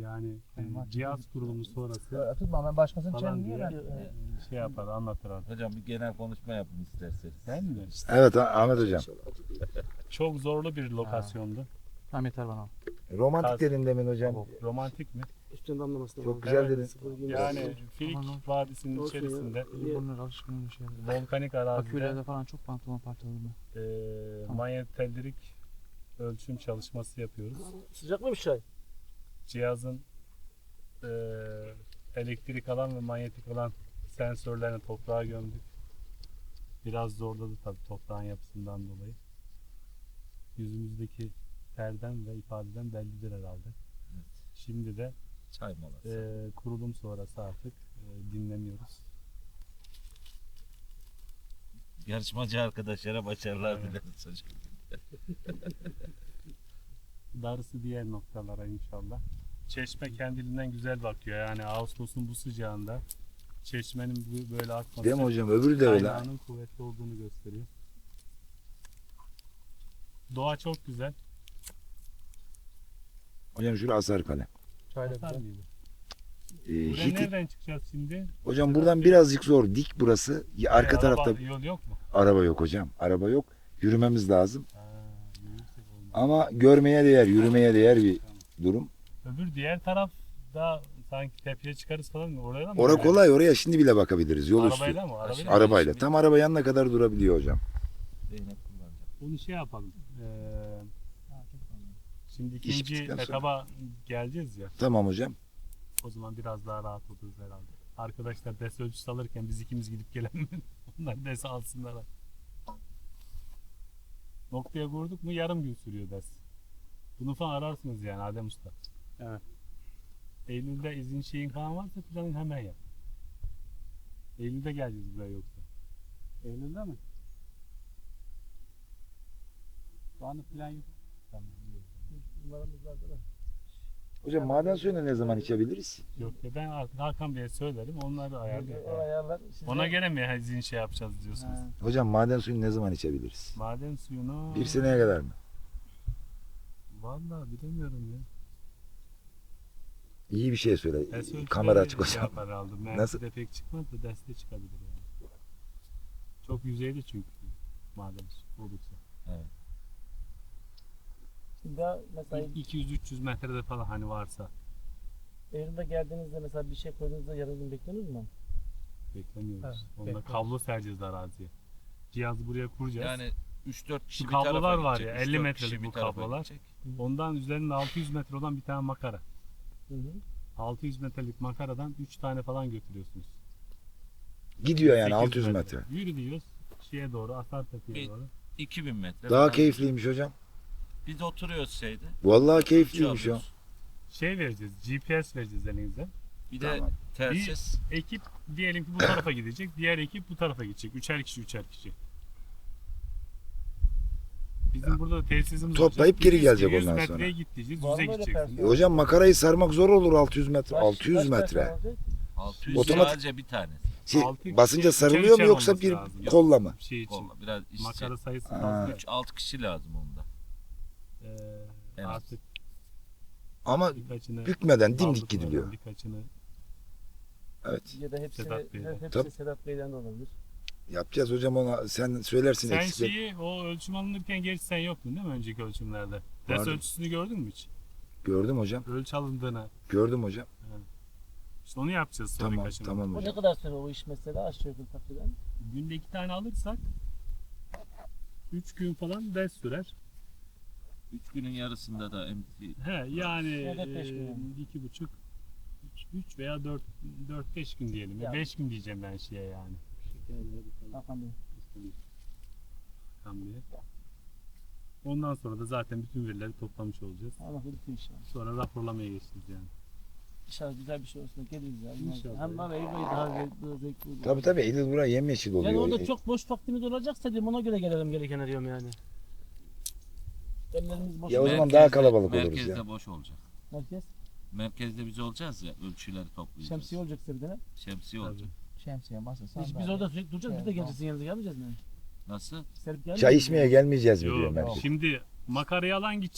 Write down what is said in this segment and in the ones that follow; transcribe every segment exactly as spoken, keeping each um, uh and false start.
Yani e, cihaz kurulumu sonrası Tutma ben başkasının falan çeneni diye niye ben? e, şey yapar, anlatır artık. Hocam bir genel konuşma yapın isterseniz. Değil mi? Evet Ahmet hocam. Çok zorlu bir lokasyondu. Tamam yeter bana. Romantik Kaz- dedin demin hocam. Romantik mi? Üstünden damlamasına Çok bak. güzel Evet. dedin. Sıfır gibi. Yani Filik Vadisi'nin Olsun ya. içerisinde Bunlar alışkın bir şey. volkanik arazide Akülerde falan çok pantolon parçaladım ben. e, manyet tellerik ölçüm çalışması yapıyoruz. Sıcak mı bir çay? Cihazın e, elektrik alan ve manyetik alan sensörlerini toprağa gömdük. Biraz zorladı tabii toprağın yapısından dolayı. Yüzümüzdeki terden ve ifadeden bellidir herhalde. Evet. Şimdi de Çay molası. e, kurulum sonrası artık e, dinleniyoruz. Yarışmacı arkadaşlara başarılar Evet. dileriz hocam. Darısı diğer noktalara inşallah. Çeşme kendiliğinden güzel bakıyor. Yani Ağustos'un bu sıcağında çeşmenin bu- böyle akması Değil mi hocam? Öbürü de öyle. kaynağının kuvvetli olduğunu gösteriyor. Doğa çok güzel. Hocam şurası Asarkale. Çayla Hasar güzel. mıydı? Ee, Buraya Hitit. nereden çıkacağız şimdi? Hocam buradan birazcık zor. Dik burası. Ya Arka Ee, tarafta araba, yol yok mu? araba yok hocam. Araba yok. Yürümemiz lazım. Ha, yürürsek olmaz. Ama görmeye değer, yürümeye değer bir durum. Öbür diğer tarafta sanki tepeye çıkarız falan mı? Oraya da mı? Ora Yani? kolay. Oraya şimdi bile bakabiliriz. Yol üstü. Arabayla mı? Arabayla mı? Arabayla. Tam araba yanına kadar durabiliyor hocam. Zeynep kullanacak. Onu şey yapalım. Ee, şimdi İş ikinci bittikten sonra. etaba geleceğiz ya. Tamam hocam. O zaman biraz daha rahat oluruz herhalde. Arkadaşlar ders ölçüsü alırken biz ikimiz gidip gelelim. Onlar ders alsınlar. Noktaya kurduk mu yarım gün sürüyor ders. Bunu falan ararsınız yani Adem Usta. Evet. Eylül'de izin şeyin falan varsa planın hemen yap. Eylül'de geleceğiz buraya yoksa. Eylül'de mi? Şu anda plan yok. Tamam. iyi. Bunlarımız vardı da. Hocam maden suyunu ne zaman içebiliriz? Yok ya ben artık Hakan Bey'e söylerim onlar da ayarlıyor. O ayarlar. Size... Ona göre mi izin şey yapacağız diyorsunuz? Ha. Hocam maden suyunu ne zaman içebiliriz? Maden suyunu... Bir seneye kadar mı? Vallahi bilemiyorum ya. İyi bir şey söyle. Ders ölçüleri Kamera açık şey hocam. yapar aldım. Nasıl? Nasıl? Pek çıkmaz da derste çıkabilir yani. Çok yüzeyde çünkü maden su olursa. Şimdi daha mesela iki yüz üç yüz metrede falan hani varsa Eylül'de geldiğinizde mesela bir şey koyduğunuzda yarın gün bekliyorsunuz mu? beklemiyoruz. Evet, Onda bekliyoruz. kablo sereceğiz araziye. Cihazı buraya kuracağız. Yani üç dört kişi Şu bir tarafa kablolar var gidecek, ya, üç elli dört metrelik kişi bir bu tarafa kablolar. gidecek. Ondan üzerinde altı yüz metre olan bir tane makara. Hı hı. altı yüz metrelik makaradan üç tane falan götürüyorsunuz. Gidiyor yani sekiz altı yüz metre. Yürü diyoruz şeye doğru, Asartepe'ye Bir- doğru. iki bin metre. Daha falan. keyifliymiş hocam. Biz oturuyoruz şeyde. Vallahi keyifliymiş o. uçuyoruz. Şey vereceğiz, G P S vereceğiz elinize. Bir de Tamam. telsiz. Ekip diyelim ki bu tarafa gidecek, diğer ekip bu tarafa gidecek. Üçer kişi, üçer kişi. Bizim burada tesisimiz Toplayıp olacak. geri yüz gelecek yüz ondan metreye sonra. git diyeceğiz, Var mı yüze öyle gideceksiniz. personel? Hocam makarayı sarmak zor olur altı yüz metre. Kaç- altı yüz kaç metre. personel olacak? altı yüz Otomatik- sadece bir tanesi. Şey, Altı kişi basınca üçer sarılıyor mu üçer yoksa olması bir lazım. kolla mı? Şey için. Kolla, biraz işçi. Makara sayısı Ha. fazla. üç altı kişi lazım onda. Ee, En az. artık Ama birkaçını bükmeden dimdik aldık gidiliyor. oradan, birkaçını Evet. Ya da hepsi, Sedat Bey'den. hepsi Tabii. Sedat Bey'den de olabilir. Yapacağız hocam ona sen söylersin sen eksikleri. şeyi o ölçüm alınırken gerçi sen yoktun değil mi önceki ölçümlerde? Ders Vardım. ölçüsünü gördün mü hiç? Gördüm hocam. Ölçü alındığını. Gördüm hocam. İşte onu yapacağız sonra Tamam birkaçını. tamam O ne hocam. kadar süre o iş mesela aşağı yukarı takriben? Günde iki tane alırsak üç gün falan ders sürer. üç günün yarısında da M T He yani Ya da beş gün e, yani. iki buçuk üç veya dört dört beş gün diyelim. Ya. beş gün diyeceğim ben şeye yani. Hakan Bey. Tam diye. Ondan sonra da zaten bütün verileri toplamış olacağız. Allah bütün inşallah. Sonra raporlamaya geçeceğiz yani. İnşallah güzel bir şey olsun da geliriz ya. İnşallah. Hem var Eylül ayı daha zevkli, daha zevkli olur. Tabii tabii Eylül buraya yemyeşil oluyor. Yani orada E, çok boş vaktimiz olacaksa diyorum ona göre gelelim gerekene diyorum yani. Ellerimiz boş. Ya o olacak. zaman daha kalabalık oluruz merkezde ya. boş olacak. Merkez. Merkezde biz olacağız ya, ölçüleri toplayacağız. Şemsiye olacak size bir tane. Şemsiye olacak. Şemsiye masa Biz, sandalye. biz orada sürekli duracağız. Biz de Evet, geleceğiz. Sizin yanınıza gelmeyeceğiz mi? Nasıl? Serip gelmeyeceğiz Çay mi? içmeye gelmeyeceğiz mi diyor Yok, merkez. şimdi makarayı alan gidecek.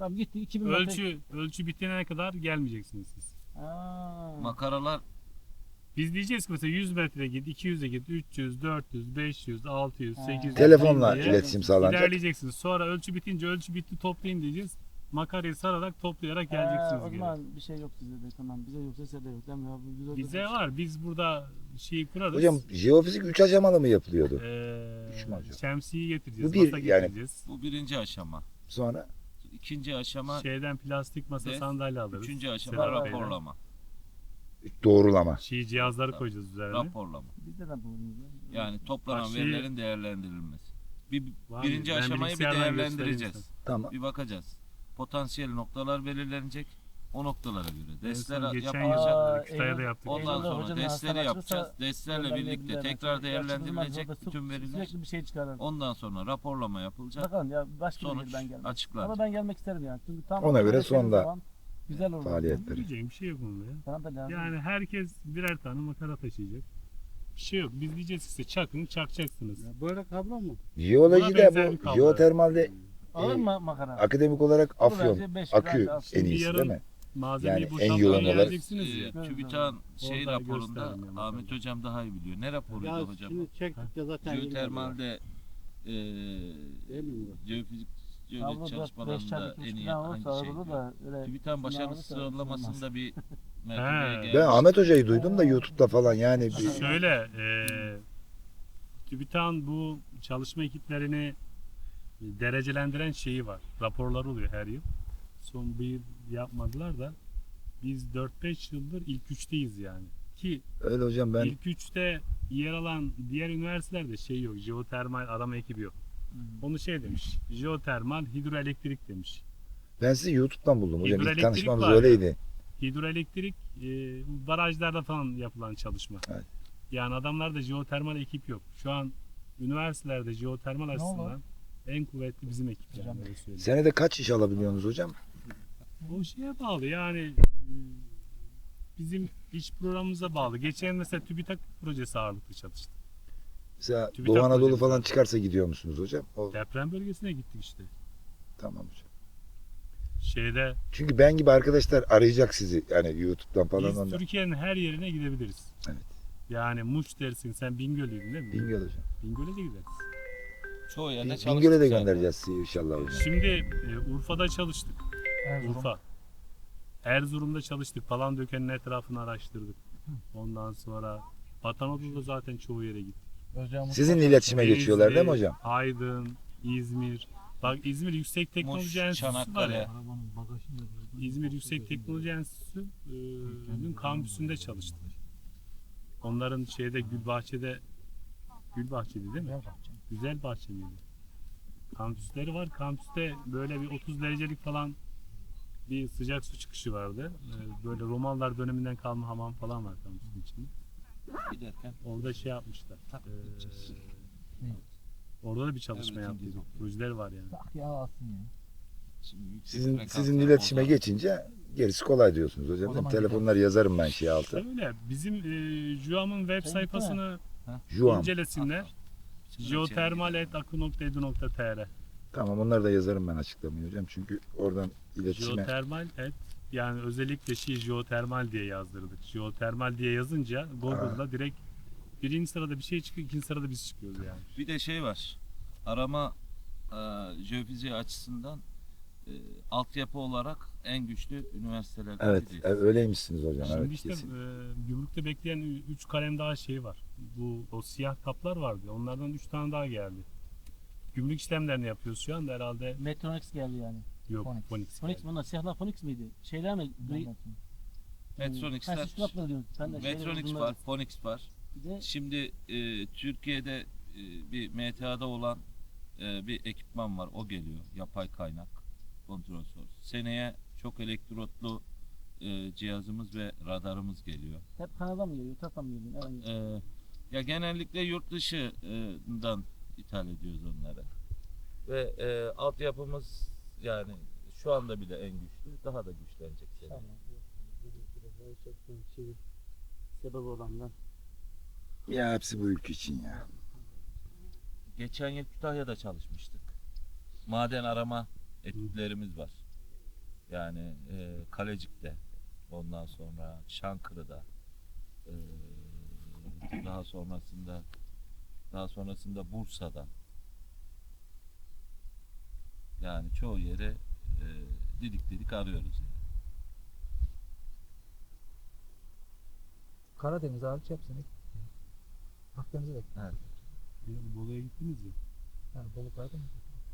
Tamam gitti iki bin metre. Ölçü ölçü bitene kadar gelmeyeceksiniz siz. Aa. Makaralar Biz diyeceğiz ki mesela yüz metre git, iki yüze git, üç yüz, dört yüz, beş yüz, altı yüz, Ha. sekiz yüz. Telefonla diye iletişim sağlanacak. İlerleyeceksiniz. Sonra ölçü bitince ölçü bitti toplayın diyeceğiz. Makarayı sararak toplayarak Ha, geleceksiniz o geri. zaman bir şey yok sizde de tamam. Bize yoksa size de yok değil mi? Ya, bu güzel Bize bir- var. Biz burada şeyi kurarız. Hocam jeofizik üç aşamalı mı yapılıyordu? Ee, Üç mü hocam? şemsiyeyi getireceğiz. Bu bir, masa yani- getireceğiz. bu birinci aşama. Sonra İkinci aşama, Şeyden plastik masa Ve sandalye alırız. üçüncü aşama Sedat Bey'den. raporlama. doğrulama. Şey cihazları koyacağız üzerine. Raporlama. Bizde de bulunuyor. Yani toplanan Bak şey- verilerin değerlendirilmesi. Bir, Var birinci mı? Ben aşamayı bir bilgisayardan değerlendireceğiz. göstereyim Tamam. Bir bakacağız. Potansiyel noktalar belirlenecek. O noktalara göre En son destler geçen yapılacak. yıl Aa, Kütahya'da Eylül- yaptık. Ondan Eylül'de sonra hocanın destleri hastane yapacağız. açılırsa Destlerle birlikte göndermeyebilirler tekrar mesela. değerlendirilecek Açılmaz, bütün orada veriler. Sürekli bir şey çıkarır. Ondan sonra raporlama yapılacak. Bakalım ya başka bir Sonuç yer ben gelmem. açıklanacak. Ama ben gelmek isterim yani. Çünkü tam Ona göre öğrettiğiniz sonda zaman güzel olur. faaliyetleri. Diyeceğim bir şey yok bunda ya. Bana da lazım. Yani herkes birer tane makara taşıyacak. Bir şey yok. Biz diyeceğiz ki size çakın çakacaksınız. Ya böyle kablo mu? Jeolojide benzer bir bu kablo. jeotermalde Ağır mı makara? akademik olarak Olur afyon, bence beş akü lira alsın. en Şimdi iyisi yarın- değil mi? Malzemeyi Yani en boşaltmaya yoğun olarak- geleceksiniz ya. Ee, TÜBİTAK'ın şey Orada raporunda gösterdim yani Ahmet bakalım. Hocam daha iyi biliyor. Ne raporuydu Ya hocam? şimdi çektik ya zaten. Jeotermalde e, Değil mi bu? jeofizik, Kablo jeofizik dört beş çalışmalarında çarpı iki en buçuk iyi falan hangi olursa şey? arada da öyle TÜBİTAK'ın başarılı alırsa sıralamasında bir He. mertebeye gelmiş. Ben Ahmet Hoca'yı duydum da YouTube'da falan yani bir, Şöyle, e, TÜBİTAK'ın bu çalışma ekiplerini derecelendiren şeyi var. Raporları oluyor her yıl. Son bir yıl yapmadılar da biz dört beş yıldır ilk üçteyiz yani. Ki öyle hocam ben ilk üçte yer alan diğer üniversitelerde şey yok. Jeotermal arama ekibi yok. Onu şey demiş. Jeotermal hidroelektrik demiş. ben sizi YouTube'dan buldum hocam. İlk Hidroelektrik tanışmamız var. öyleydi. Hidroelektrik e, barajlarda falan yapılan çalışma. Evet. Yani adamlarda jeotermal ekip yok. Şu an üniversitelerde jeotermal Ne açısından en kuvvetli bizim ekip yani Hocam. öyle söyleyeyim. Senede kaç iş alabiliyorsunuz hocam? O şeye bağlı yani e, bizim iş programımıza bağlı. Geçen mesela TÜBİTAK projesi ağırlıklı çalıştık. Mesela TÜBİTAK Doğu Anadolu projesi falan var. çıkarsa gidiyor musunuz hocam? O, Deprem bölgesine gittik işte. tamam hocam. Şeyde Çünkü ben gibi arkadaşlar arayacak sizi yani YouTube'dan falan biz ondan. Türkiye'nin her yerine gidebiliriz. Evet. Yani Muş dersin sen Bingöl'lüydün değil mi? Bingöl hocam. Bingöl'e de gideriz. Çoğu yerde Bin- çalıştık Bingöl'e de zaten. göndereceğiz sizi inşallah hocam. Şimdi e, Urfa'da çalıştık. Erzurum. Urfa. Erzurum'da çalıştık. Palandöken'in etrafını araştırdık. Ondan sonra Vatanoda'da zaten çoğu yere gittik. Özcan Sizin Mustafa- iletişime geçiyorlar değil mi Denizli, hocam? Aydın, İzmir. Bak İzmir Yüksek Teknoloji Muş, Enstitüsü var Çanakkale. ya. İzmir Yüksek Teknoloji Enstitüsü'nün kampüsünde çalıştık. Onların şeyde Gülbahçe'de Gülbahçe'di değil mi? Güzel bahçe miydi? Kampüsleri var. Kampüste böyle bir otuz derecelik falan bir sıcak su çıkışı vardı. Ee, Böyle Romalılar döneminden kalma hamam falan var kampüsün içinde. Giderken Orada şey yapmışlar. Ee, orada da bir çalışma Evet, yaptık. İngiliz. Projeler var yani. Tak ya alsın ya. şimdi yüksek Sizin frekanslar sizin iletişime bozar. geçince gerisi kolay diyorsunuz O hocam. zaman Telefonları yazarım ben şey altı. Öyle. Bizim e, JUAM'ın web Sen sayfasını Juan. incelesinler. Şimdi jeotermal et akı nokta edu nokta tr Tamam onları da yazarım ben açıklamayı hocam. Çünkü oradan iletişime Jeotermal et yani özellikle şey jeotermal diye yazdırdık. Jeotermal diye yazınca Google'da direkt birinci sırada bir şey çıkıyor, ikinci sırada biz çıkıyoruz yani. Bir de şey var. Arama e, jeofiziği açısından e, altyapı olarak en güçlü üniversitelerden evet biriyiz. e, öyleymişsiniz hocam. Şimdi Evet işte kesin. e, gümrükte bekleyen üç kalem daha şey var. Bu o siyah kaplar vardı. Onlardan üç tane daha geldi. Gümrük işlemlerini yapıyoruz şu anda herhalde. Metronics geldi yani. Yok, Phonics. Phonics. Phonics geldi. bunlar siyahlar Phonics miydi? Şeyler mi? Gri... Metronics'ler, Ha, siz kulakları diyorsunuz. Ben de şeyleri Metronics uzunları- var, Phonics var. Bir de Şimdi e, Türkiye'de e, bir M T A'da olan e, bir ekipman var. O geliyor. Yapay kaynak. Kontrol source. Seneye çok elektrotlu e, cihazımız ve radarımız geliyor. hep Kanada mı geliyor? Tata mı geliyor? Nereden geliyor? E, ya genellikle yurt dışından ithal ediyoruz onları. Ve e, altyapımız yani şu anda bile en güçlü. Daha da güçlenecek seneye. Tamam. Şey, sebep olanlar. Ya hepsi bu ülke için ya. Geçen yıl Kütahya'da çalışmıştık. Maden arama etütlerimiz var. Yani e, Kalecik'te, ondan sonra Çankırı'da, e, daha sonrasında daha sonrasında Bursa'da, yani çoğu yere e, didik didik arıyoruz yani. Karadeniz hariç hepsini Akdeniz'e de Evet. Yani Bolu'ya gittiniz ya. yani Bolu Karadeniz.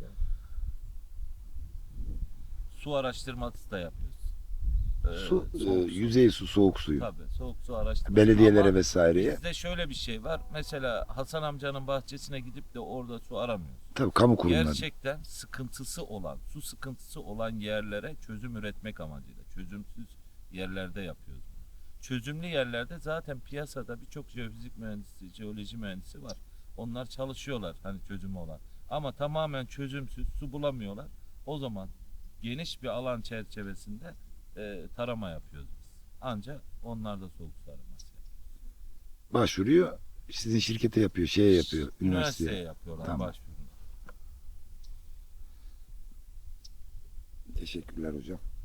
Su araştırması da yapıyoruz. Ee, Su, e, soğuk su. yüzey su, soğuk suyu. Tabii soğuk su araştırması. Belediyelere Ama vesaireye. bizde şöyle bir şey var. Mesela Hasan amcanın bahçesine gidip de orada su aramıyoruz. Tabii kamu kurumları. Gerçekten sıkıntısı olan, su sıkıntısı olan yerlere çözüm üretmek amacıyla. Çözümsüz yerlerde yapıyoruz bunu. Çözümlü yerlerde zaten piyasada birçok jeofizik mühendisi, jeoloji mühendisi var. Onlar çalışıyorlar hani çözümü olan. Ama tamamen çözümsüz, su bulamıyorlar. O zaman geniş bir alan çerçevesinde e, tarama yapıyoruz biz. Ancak onlar da soğuk su araması yapıyor. Başvuruyor. Sizin şirkete yapıyor, şeye yapıyor, Üniversiteye üniversiteye. yapıyorlar Tamam. başvurunu. Teşekkürler hocam.